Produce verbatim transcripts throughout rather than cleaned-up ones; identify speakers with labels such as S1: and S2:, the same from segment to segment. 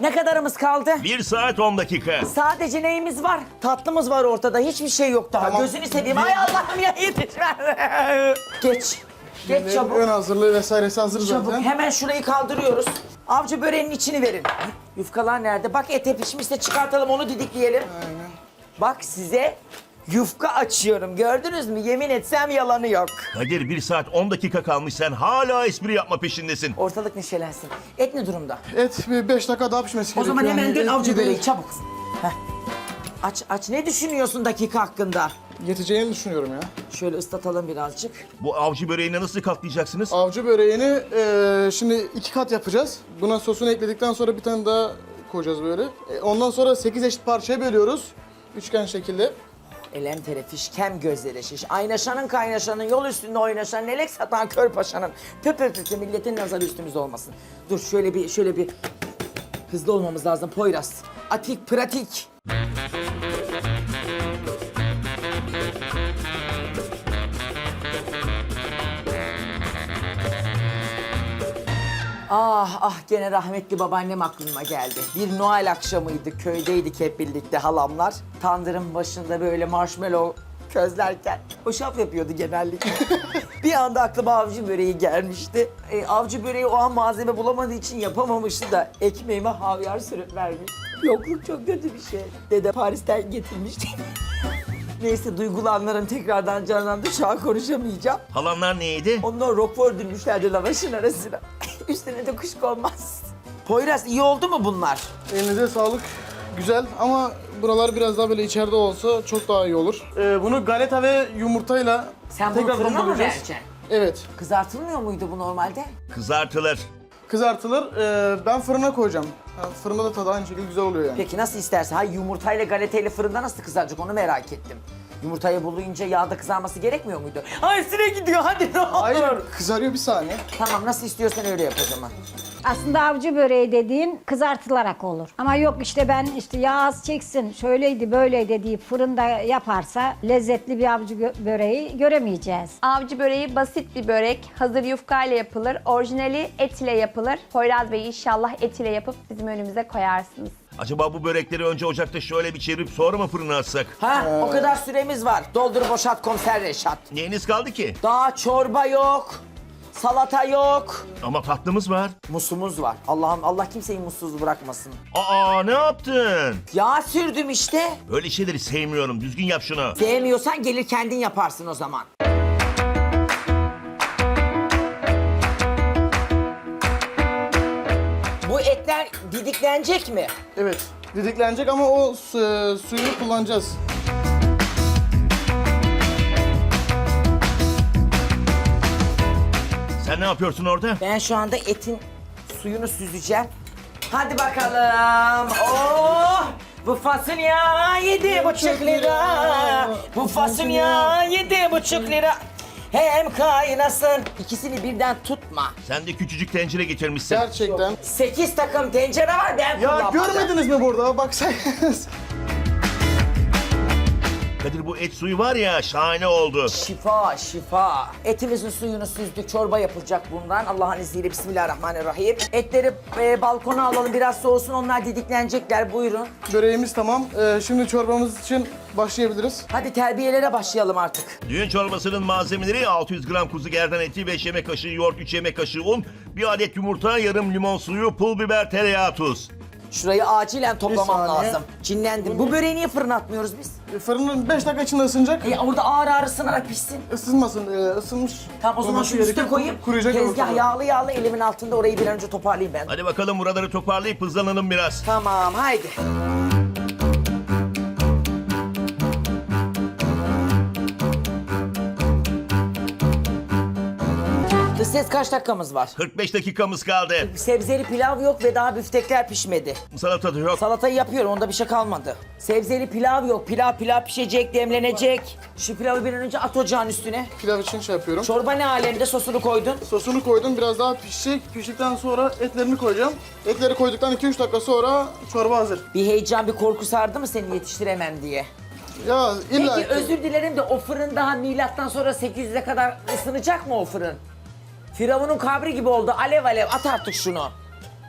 S1: Ne kadarımız kaldı?
S2: Bir saat on dakika.
S1: Sadece neyimiz var? Tatlımız var ortada. Hiçbir şey yok daha.
S3: Tamam.
S1: Gözünü seveyim. Ay Allah'ım ya yetişmez. Geç. Geç çabuk.
S3: Ön hazırlığı vesairesi hazır
S1: Çabuk.
S3: zaten.
S1: Hemen şurayı kaldırıyoruz. Avcı böreğinin içini verin. Yufkalar nerede? Bak ete pişmişse çıkartalım onu didikleyelim.
S3: Aynen.
S1: Bak size yufka açıyorum. Gördünüz mü? Yemin etsem yalanı yok.
S2: Kadir bir saat on dakika kalmış sen hala espri yapma peşindesin.
S1: Ortalık neşelensin. Et ne durumda?
S3: Et bir beş dakika daha pişmesi
S1: O
S3: gerekiyor.
S1: zaman hemen
S3: Yani
S1: dön
S3: et
S1: avcı
S3: gibi
S1: böreği çabuk. Heh. Aç aç. Ne düşünüyorsun dakika hakkında?
S3: Yeteceğini düşünüyorum ya.
S1: Şöyle ıslatalım birazcık.
S2: Bu avcı böreğini nasıl katlayacaksınız?
S3: Avcı böreğini eee, şimdi iki kat yapacağız. Buna sosunu ekledikten sonra bir tane daha koyacağız böyle. E, ondan sonra sekiz eşit parçaya bölüyoruz. Üçgen şekilde.
S1: Elem tere fişkem gözleri şiş. Aynaşanın kaynaşanın yol üstünde oynaşan nelek satan kör paşanın. Pö pö pö pö, milletin nazarı üstümüzde olmasın. Dur şöyle bir şöyle bir hızlı olmamız lazım Poyraz. Atik pratik. Ah ah gene rahmetli babaannem aklıma geldi. Bir Noel akşamıydı, köydeydik hep birlikte halamlar. Tandırın başında böyle marshmallow közlerken hoşaf yapıyordu genellikle. Bir anda aklıma avcı böreği gelmişti. E, avcı böreği o an malzeme bulamadığı için yapamamıştı da ekmeğime havyar sürüp vermiş. Yokluk çok kötü bir şey. Dede Paris'ten getirmişti. Neyse duygulanlarım tekrardan canlandı. Şu an konuşamayacağım.
S2: Halanlar neydi?
S1: Onlar roquefort dürmüşlerdi lavaşın arasına. Üstüne de kuşkonmaz. Poyraz iyi oldu mu bunlar?
S3: Elinize sağlık. Güzel ama buralar biraz daha böyle içeride olsa çok daha iyi olur. Ee, bunu galeta ve yumurtayla
S1: Sen bunu
S3: tekrar
S1: fırına mı
S3: donduracağız.
S1: vereceksin?
S3: Evet.
S1: Kızartılmıyor muydu bu normalde?
S2: Kızartılır.
S3: Kızartılır. Ee, ben fırına koyacağım. Ha, fırında da tadı aynı şekilde güzel oluyor yani.
S1: Peki nasıl istersen. Hayır yumurtayla galetayla fırında nasıl kızaracak onu merak ettim. Yumurtayı bulunca yağda kızarması gerekmiyor muydu? Ay süre gidiyor hadi ne olur.
S3: Hayır, kızarıyor bir saniye.
S1: Tamam nasıl istiyorsan öyle yap o zaman.
S4: Aslında avcı böreği dediğin kızartılarak olur. Ama yok işte ben işte yağ az çeksin, şöyleydi böyleydi deyip fırında yaparsa lezzetli bir avcı gö- böreği göremeyeceğiz.
S5: Avcı böreği basit bir börek. Hazır yufkayla yapılır. Orijinali et ile yapılır. Poyraz Bey inşallah et ile yapıp bizim önümüze koyarsınız.
S2: Acaba bu börekleri önce ocakta şöyle bir çevirip sonra mı fırına atsak?
S1: Ha o kadar süremiz var. Doldur boşalt komiser Reşat.
S2: Neyiniz kaldı ki?
S1: Daha çorba yok. Salata yok.
S2: Ama tatlımız var.
S1: Musumuz var. Allah'ım Allah kimseyi mutsuz bırakmasın.
S2: Aa ne yaptın?
S1: Yağ sürdüm işte.
S2: Öyle şeyleri sevmiyorum. Düzgün yap şunu.
S1: Sevmiyorsan gelir kendin yaparsın o zaman. Bu etler didiklenecek mi?
S3: Evet. Didiklenecek ama o su- suyunu kullanacağız.
S2: Sen ne yapıyorsun orada?
S1: Ben şu anda etin suyunu süzeceğim. Hadi bakalım. Oh! Bu fasulye yedi buçuk lira. Bu fasulye yedi buçuk lira. Hem kaynasın. İkisini birden tutma.
S2: Sen de küçücük tencere getirmişsin.
S3: Gerçekten.
S1: Sekiz takım tencere var ben
S3: Ya
S1: kullanmadım.
S3: görmediniz mi burada? Baksaydınız.
S2: Kadir bu et suyu var ya şahane oldu.
S1: Şifa, şifa. Etimizin suyunu süzdük, çorba yapılacak bundan. Allah'ın izniyle bismillahirrahmanirrahim. Etleri e, balkona alalım, biraz soğusun, onlar didiklenecekler. Buyurun.
S3: Böreğimiz tamam. Ee, şimdi çorbamız için başlayabiliriz.
S1: Hadi terbiyelere başlayalım artık.
S2: Düğün çorbasının malzemeleri altı yüz gram kuzu gerdan eti, beş yemek kaşığı yoğurt, üç yemek kaşığı un, bir adet yumurta, yarım limon suyu, pul biber, tereyağı, tuz.
S1: Şurayı acilen toplamam
S3: Bir saniye.
S1: lazım. Cinlendim. Bu böreği niye fırına atmıyoruz biz?
S3: E, Fırının beş dakika içinde ısınacak.
S1: E, orada ağır ağır ısınarak pişsin.
S3: Isınmasın, e, ısınmış.
S1: Tamam o zaman
S3: olması
S1: şu üste
S3: gerekiyor.
S1: koyayım.
S3: Kuruyacak
S1: Tezgah
S3: ortalığı.
S1: yağlı yağlı elimin altında orayı bir an önce toparlayayım ben.
S2: Hadi bakalım buraları toparlayıp hızlanalım biraz.
S1: Tamam haydi. Dış ses kaç dakikamız var?
S2: kırk beş dakikamız kaldı.
S1: Sebzeli pilav yok ve daha büftekler pişmedi.
S2: Salata da yok.
S1: Salatayı yapıyorum, onda bir şey kalmadı. Sebzeli pilav yok, pilav pilav pişecek, demlenecek. Şu pilavı bir an önce at ocağın üstüne.
S3: Pilav için şey yapıyorum.
S1: Çorba ne alemde, sosunu koydun?
S3: Sosunu koydum, biraz daha pişecek. Piştikten sonra etlerini koyacağım. Etleri koyduktan iki üç dakika sonra çorba hazır.
S1: Bir heyecan, bir korku sardı mı seni yetiştiremem diye?
S3: Ya illa
S1: Peki özür dilerim de o fırın daha milattan sonra sekiz yüze kadar ısınacak mı o fırın? Firavun'un kabri gibi oldu, alev alev, at artık şunu.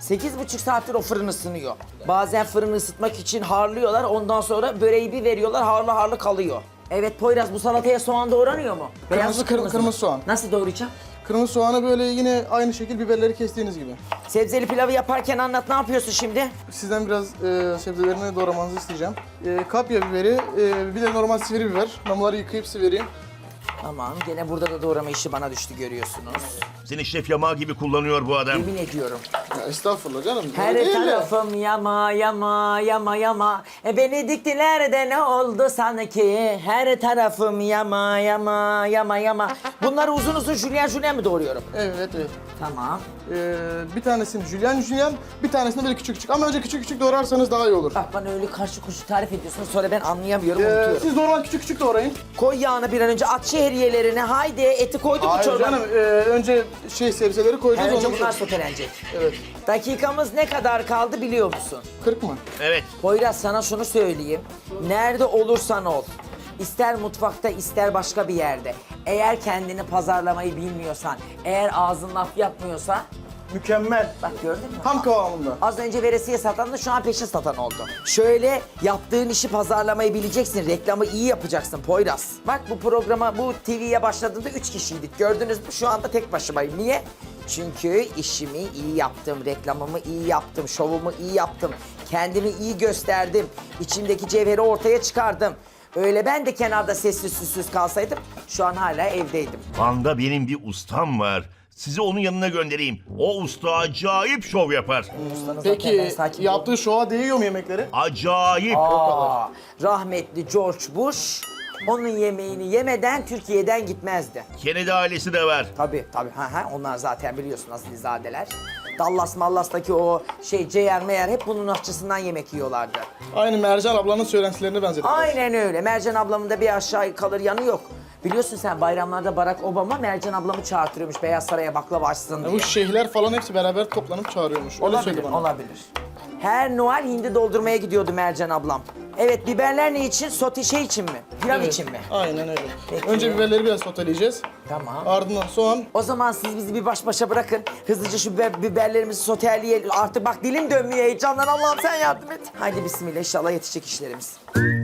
S1: Sekiz buçuk saattir o fırın ısınıyor. Bazen fırını ısıtmak için harlıyorlar. Ondan sonra böreği bir veriyorlar, harlı harlı kalıyor. Evet Poyraz, bu salataya soğan doğranıyor mu? Beyaz mı,
S3: Kırmızı,
S1: kırmızı mı?
S3: kırmızı soğan.
S1: Nasıl doğrayacağım?
S3: Kırmızı soğanı böyle yine aynı şekil biberleri kestiğiniz gibi.
S1: Sebzeli pilavı yaparken anlat, ne yapıyorsun şimdi?
S3: Sizden biraz e, sebzelerini doğramanızı isteyeceğim. E, kapya biberi, e, bir de normal sivri biber. Ben bunları yıkayıp sivereyim.
S1: Tamam, gene burada da doğrama işi bana düştü görüyorsunuz.
S2: Seni şef yamağı gibi kullanıyor bu adam.
S1: Yemin ediyorum.
S3: Ya estağfurullah canım.
S1: Her
S3: öyle değil de.
S1: tarafım yama yama yama yama. E beni diktiler de ne oldu sanki? Her tarafım yama yama yama yama. Bunları uzun uzun jülyen jülyen mi doğruyorum?
S3: Evet, evet.
S1: Tamam.
S3: Ee, bir tanesini jülyen jülyen, bir tanesini böyle küçük küçük. Ama önce küçük küçük doğrarsanız daha iyi olur.
S1: Bak bana öyle karşı koşu tarif ediyorsun, sonra ben anlayamıyorum,
S3: Ee,
S1: unutuyorum.
S3: siz normal küçük küçük doğrayın.
S1: Koy yağını bir an önce, at şehriyelerini, haydi eti koyduk mu
S3: Hayır
S1: çorba?
S3: canım, e, önce şey sebzeleri koyacağız.
S1: Her önce
S3: ondan
S1: bunlar
S3: sonra-
S1: sotelenecek.
S3: Evet.
S1: Dakikamız ne kadar kaldı biliyor musun?
S3: kırk mı?
S2: Evet.
S1: Poyraz, sana şunu söyleyeyim. Nerede olursan ol, ister mutfakta ister başka bir yerde, eğer kendini pazarlamayı bilmiyorsan, eğer ağzın laf yapmıyorsa,
S3: Mükemmel.
S1: bak gördün mü?
S3: Tam kıvamında.
S1: Az önce veresiye satan da şu an peşin satan oldu. Şöyle yaptığın işi pazarlamayı bileceksin, reklamı iyi yapacaksın Poyraz. Bak bu programa, bu T V'ye başladığında üç kişiydik. Gördünüz mü? Şu anda tek başımayım. Niye? Çünkü işimi iyi yaptım, reklamımı iyi yaptım, şovumu iyi yaptım. Kendimi iyi gösterdim. İçimdeki cevheri ortaya çıkardım. Öyle ben de kenarda sessiz süssüz kalsaydım şu an hala evdeydim.
S2: Van'da benim bir ustam var. Sizi onun yanına göndereyim. O usta acayip şov yapar.
S1: Ustanız zaten, ben
S3: Peki
S1: sakin
S3: yaptığı şova değiyor mu yemekleri?
S2: Acayip.
S1: Aa, rahmetli George Bush onun yemeğini yemeden Türkiye'den gitmezdi.
S2: Kennedy ailesi de var.
S1: Tabii tabii. Ha, ha, onlar zaten biliyorsun asilzadeler. Dallas Mallas'taki o şey Ceyer Meyer hep bunun aşçısından yemek yiyorlardı.
S3: Aynı Mercan ablanın söylentilerine benzedik.
S1: Aynen öyle. Mercan ablamın da bir aşağı kalır yanı yok. Biliyorsun sen, bayramlarda Barack Obama Mercan ablamı çağırtıyormuş Beyaz Saray'a baklava açsın diye.
S3: Bu şeyhler falan hepsi beraber toplanıp çağırıyormuş. Öyle
S1: Olabilir,
S3: söyledi bana.
S1: olabilir. Her Noel hindi doldurmaya gidiyordu Mercan ablam. Evet, biberler ne için? Sote şey için mi? Pilav
S3: Evet,
S1: için mi?
S3: Aynen öyle.
S1: Peki.
S3: Önce biberleri biraz soteleyeceğiz.
S1: Tamam.
S3: Ardından soğan.
S1: O zaman siz bizi bir baş başa bırakın. Hızlıca şu biber, biberlerimizi soteleyelim. Artık bak dilim dönmüyor heyecandan. Allah'ım sen yardım et. Haydi bismillah, inşallah yetişecek işlerimiz.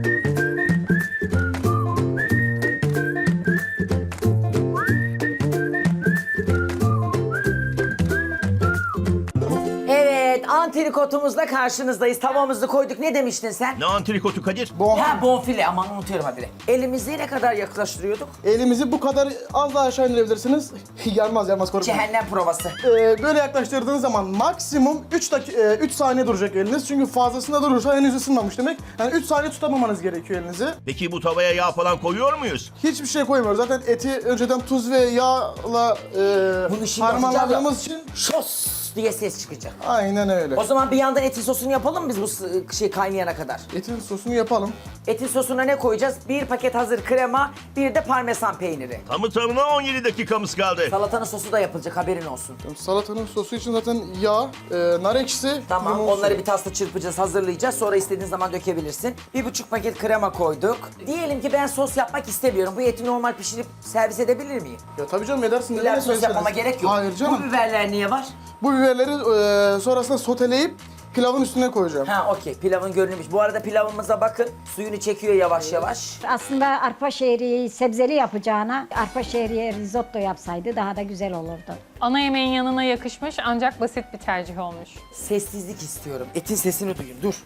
S1: Evet, antrikotumuzla karşınızdayız. Tavamızı koyduk. Ne demiştin sen?
S2: Ne antrikotu Kadir?
S3: Bonfile.
S1: Ha, bonfile. Aman unutuyorum habire. Elimizi ne kadar yaklaştırıyorduk?
S3: Elimizi bu kadar az daha aşağı indirebilirsiniz. yanmaz yanmaz korkmayın.
S1: Cehennem provası.
S3: Ee, böyle yaklaştırdığınız zaman maksimum üç dakika üç saniye duracak eliniz. Çünkü fazlasında durursa henüz ısınmamış demek. Yani üç saniye tutamamanız gerekiyor elinizi.
S2: Peki bu tavaya yağ falan koyuyor muyuz?
S3: Hiçbir şey koymuyoruz. Zaten eti önceden tuz ve yağla e,
S1: Bunu şimdi
S3: harmanladığımız için
S1: Şos diye ses çıkacak.
S3: aynen öyle.
S1: O zaman bir yandan etin sosunu yapalım mı biz bu s- şey kaynayana kadar?
S3: Etin sosunu yapalım.
S1: Etin sosuna ne koyacağız? Bir paket hazır krema, bir de parmesan peyniri.
S2: Tamı tamına on yedi dakikamız kaldı.
S1: Salatanın sosu da yapılacak, haberin olsun.
S3: Salatanın sosu için zaten yağ, e, nar ekşisi,
S1: Tamam,
S3: limon
S1: onları
S3: suyu.
S1: bir tasla çırpacağız, hazırlayacağız. Sonra istediğin zaman dökebilirsin. Bir buçuk paket krema koyduk. Diyelim ki ben sos yapmak istemiyorum. Bu eti normal pişirip servis edebilir miyim?
S3: Ya tabii canım edersin.
S1: İlla
S3: neden
S1: sos
S3: söyleseniz.
S1: yapmama gerek yok.
S3: Hayır canım.
S1: Bu biberler niye var?
S3: Bu biberleri e, sonrasında soteleyip pilavın üstüne koyacağım.
S1: Ha okey, pilavın görünümüş. Bu arada pilavımıza bakın. Suyunu çekiyor yavaş yavaş.
S4: Aslında arpa şehriyeyi sebzeli yapacağına arpa şehriye risotto yapsaydı daha da güzel olurdu.
S6: Ana yemeğin yanına yakışmış ancak basit bir tercih olmuş.
S1: Sessizlik istiyorum. Etin sesini duyun. Dur.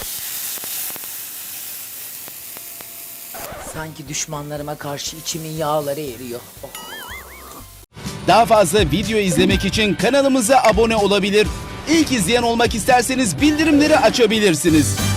S1: Sanki düşmanlarıma karşı içimin yağları eriyor. Oh.
S7: Daha fazla video izlemek için kanalımıza abone olabilir. İlk izleyen olmak isterseniz bildirimleri açabilirsiniz.